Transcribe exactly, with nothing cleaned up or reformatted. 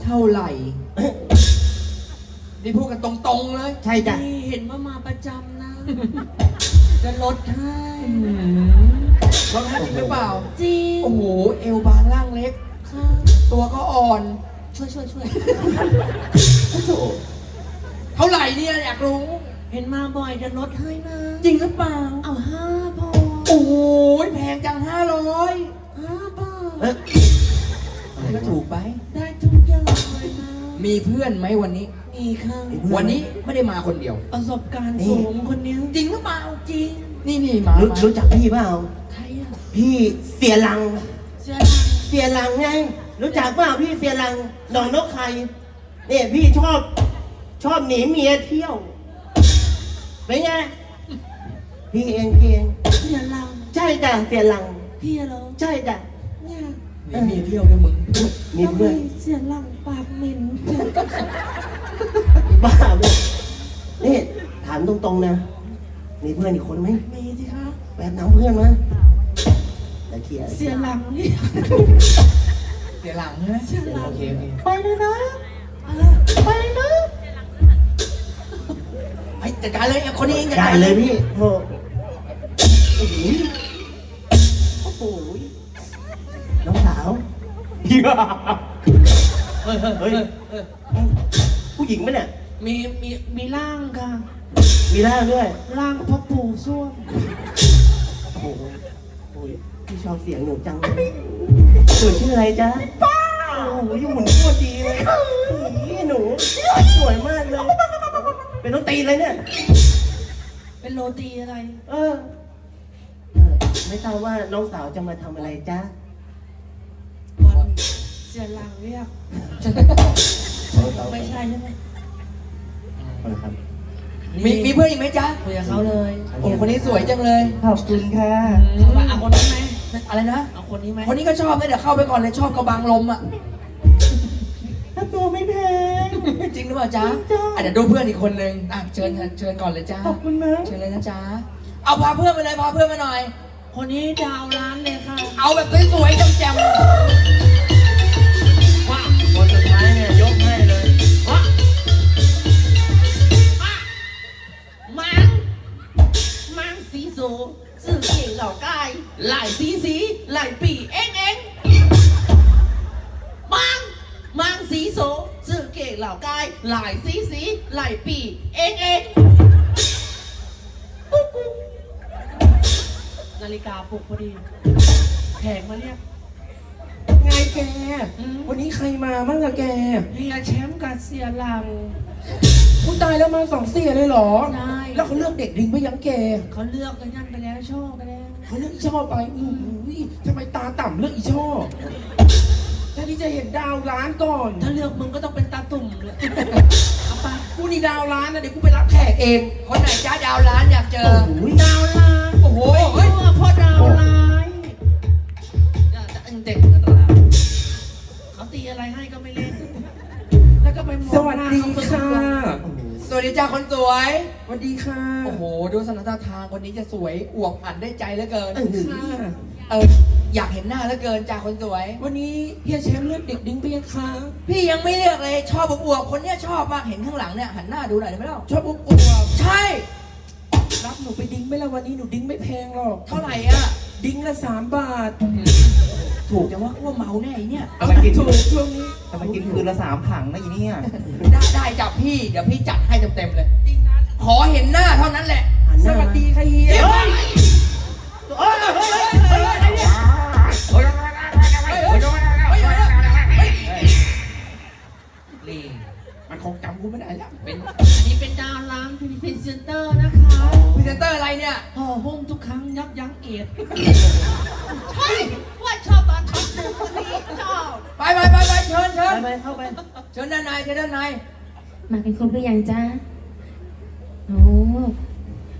เท่าไหร่นี่พูดกันตรงๆเลยใช่จ้ะเห็นว่ามาประจำนะ จะลดให้ลดให้จริงหรือเปล่าจริงโอ้โหเอวบางร่างเล็กตัวก็อ่อนช่วยช่วยช่วยเท่าไหร่เนี่ยอยากรู้เห็นมาบ่อยจะลดให้นะจริงหรือเปล่าเอาห้าพอโอ้ยแพงจังห้าร้อยห้าบาทก็ถูกไปได้ทุกอย่างเลยนะมีเพื่อนไหมวันนี้มีค่ะวันนี้ไม่ได้มาคนเดียวประสบการณ์สูงคนนี้จริงหรือเปล่าจริงนี่นี่มารู้จักพี่เปล่าใครอ่ะพี่เสียหลังเสียหลังเสียหลังไงรู้จักเปล่าพี่เสียหลังดองนกไข่เนี่ยพี่ชอบชอบหนีเมียเที่ยวเป็นไงพี่เองพี่เองเสียหลังใช่จ้ะเสียหลังพี่เหรอใช่จ้ะเนี่ยหนีเมียเที่ยวด้วยมึงมีเพื่อนเสียหลังปากเหม็นบ้าเลยนี่ถามตรงๆนะมีเพื่อนอีกคนไหมมีสิคะแปบน้ำเพื่อนมาแล้วเคลียร์เสียหลังนี่เสียหลังใช่ไหมเสียหลังโอเคโอเคไปเลยนะไปเลยนะไปจัดการเลยคนนี้เองจัดการเลยพี่โอ้โหโอ้โหน้องสาวเฮ้ยเฮ้ยผู้หญิงไหมเนี่ยมีมีมีร่างค่ะมีร่างด้วยร่างพ่อปู่ส้วมโอ้โหพี่ชอบเสียงหนูจังเลยหนูชื่ออะไรจ๊ะป้าโอ้โหอยู่หมุนโคตรดีเลยนี่หนูสวยมากเลยเป็นน้องตีเลยเนี่ยเป็นโรตีอะไรเออไม่ทราบว่าน้องสาวจะมาทำอะไรจ๊ะเสียหลังเรียกไม่ใช่ใช่ไหมครับมีมีเพื่อนอีกไหมจ๊ะคุยกับเขาเลยโอ้คนนี้สวยจังเลยขอบคุณค่ะเอาคนนี้ไหมอะไรนะเอาคนนี้ไหมคนนี้ก็ชอบนะเดี๋ยวเข้าไปก่อนเลยชอบกระบังลมอ่ะถ้าตัวไม่แพงจริงหรือเปล่าจ๊ะอ่ะเดี๋ยวดูเพื่อนอีกคนนึงอ่ะเชิญเชิญก่อนเลยจ้าขอบคุณนะเชิญเลยนะจ๊ะเอาพาเพื่อนมาเลยพาเพื่อนมาหน่อยคนนี้ดาวร้านเลยค่ะเอาแบบสวยๆแจ่มๆว่าคนสุดท้ายเนี่ยยกให้เลยว่ามังมังสีโซสื่อเก่งเหล่ากายหลายสีสีหลายปีเอ็งเอ็งมังมังสีโซสื่อเก่งเหล่ากายหลายสีสีหลายปีเอ็งเอ็งนาฬิกาปลุกพอดีแขกมาเรียกไงแกวันนี้ใครมาบ้างอะแกเฮียแชมป์กับเสียหลังผู้ตายแล้วมาสองเสียเลยเหรอใช่แล้วเขาเลือกเด็กดิ้งไปยังแกเขาเลือกกันนั่นไปแล้วชอบไปแล้วเขาเลือกอีช่อไปอุ้ยทำไมตาต่ำเลือกอีช่อแค่ที่จะเห็นดาวล้านก่อนถ้าเลือกมึงก็ต้องเป็นตาตุ่มเลยเอาไปกูนี่ดาวล้านนะเดี๋ยวกูไปรับแขกเองคนไหนจ้าดาวล้านอยากเจอดาวล้านโอ้โหเฮ้ยพ่อดาวล้านจะเอ็งเด็กเขาตีอะไรให้ก็ไม่เล่นแล้วก็ไปมองสวัสดีค่ะสวัสดีจ้าคนสวยสวัสดีค่ะโอ้โหดูสถานทางคนนี้จะสวยอวบอันได้ใจเหลือเกินเอออยากเห็นหน้าเหลือเกินจ้าคนสวยวันนี้เฮียแชมป์เลือกเด็กดิ้งไปยังคะพี่ยังไม่เลือกเลยชอบอวบคนเนี้ยชอบมากเห็นข้างหลังเนี่ยหันหน้าดูหน่อยได้ไหมล่ะชอบอวบใช่รับหนูไปดิ้งไหมล่ะวันนี้หนูดิ้งไม่แพงหรอกเท่าไหร่อ่ะดิ้งละสามบาทถูกจังว่าว่าเมาแน่เนี่ยทำไมกินถูกช่วงนี้ทำไมกินคืนละสามถังนะอีเนี่ยได้ได้จับพี่เดี๋ยวพี่จัดให้เต็มๆเลยขอเห็นหน้าเท่านั้นแหละสวัสดีค่ะเฮียนี่มันคงจำกูไม่ได้แล้วเป็นอันนี้เป็นดาวล้างพรีเซนเตอร์นะคะพรีเซนเตอร์อะไรเนี่ยห่อหุ้มทุกครั้งยับยั้งเอดใช่ว่าชอบตอนช็อตหนึ่งคนนี้ชอบไปไปไปไปเชิญเชิญไปเข้าไปเชิญด้านในเชิญด้านในมาเป็นครบหรือยังจ๊ะ